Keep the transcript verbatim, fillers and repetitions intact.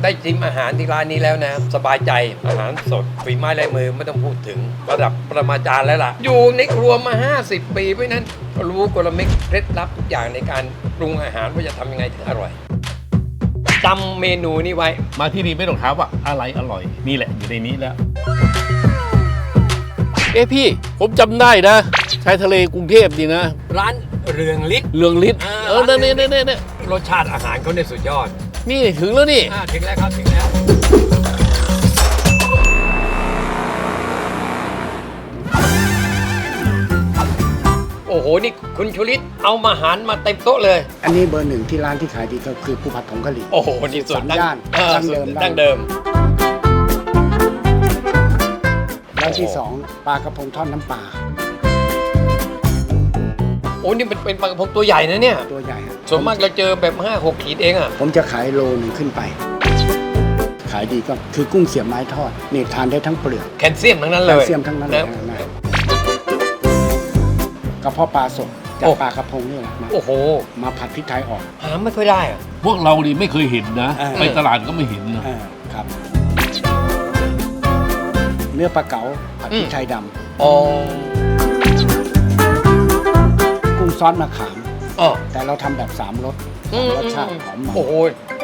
ได้ชิมอาหารที่ร้านนี้แล้วนะสบายใจอาหารสดฝีไม้ลายมือไม่ต้องพูดถึงระดับประมาจารย์แล้วล่ะอยู่ในครัวมาห้าสิบปีเพราะนั้นรู้กลเม็ดเคล็ดลับทุกอย่างในการปรุงอาหารว่าจะทำยังไงถึงอร่อยจำเมนูนี้ไว้มาที่นี่ไม่ต้องถามว่าอะไรอร่อยนี่แหละอยู่ในนี้แล้วเอ๊ะพี่ผมจำได้นะชายทะเลกรุงเทพดีนะร้านเรืองฤทธิ์เรืองฤทธิ์เออเนี่ยเนี่ยเนี่ยรสชาติอาหารเขาเนี่ยสุดยอดนี่ถึงแล้วนี่ถึงแล้วครับถึงแล้วโอ้โหนี่คุณชุลิตเอามาหารมาเต็มโต๊ะเลยอันนี้เบอร์หนึ่งที่ร้านที่ขายดีก็คือผู้ผัดผงกะหรี่โอ้โหนี่สุดย่านดั้งเดิมดั้งเดิมร้านที่สองปลากระพงทอดน้ำปลาโอ้นี่เป็นเป็นปลากระพงตัวใหญ่นะเนี่ยตัวใหญ่ครับส่วนมากเราเจอแบบห้าหกขีดเองอ่ะผมจะขายโลหนึ่งขึ้นไปขายดีก็คือกุ้งเสียบไม้ทอดนี่ทานได้ทั้งเปลือกแคลเซียมทั้งนั้นเลยแคลเซียมทั้งนั้นเลยนะกระเพาะปลาสดจากปลากระพงนี่แหละโอ้โหมาผัดพริกไทยออกหาไม่ค่อยได้อ่ะพวกเราดิไม่เคยเห็นนะไปตลาดก็ไม่เห็นนะครับเนื้อปลาเก๋าผัดพริกไทยดำอ๋อกุ้งซอสมะขามอ๋อแต่เราทำแบบสามรสรสชาติหอมมันโอ้โห